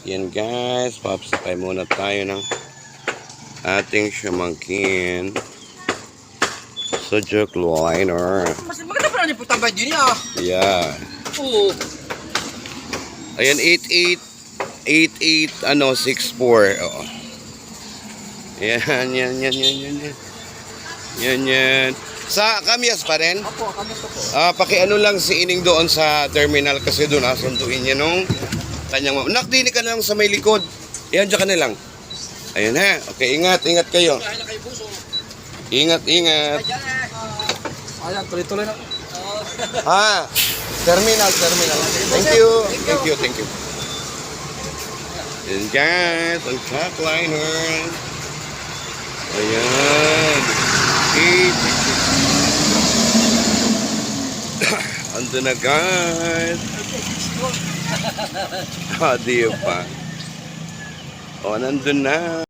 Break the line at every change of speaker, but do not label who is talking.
Yan guys, papasakay muna tayo ng ating siyamangkin sa jetliner.
Mas maganda pa rin yung putambay din niya.
Yeah.
Oo.
Ayan, 64. Oo. Yan. Yan. Sa Kamyas pa rin?
Opo, kami to po.
Pakiano lang si Ining doon sa terminal kasi doon sunduin niya nung kanyang mama. Nak, dili ka na lang sa may likod. Yan, dyan ka na lang. Ayun ha. Okay, ingat kayo.
Kaya na kayo buso.
Ingat.
Ayan, tuloy-tuloy na.
Ha? Terminal. Thank you. Yan guys, ang jetliner. Ayan. Ando na guys. Di pa. O, nandun na.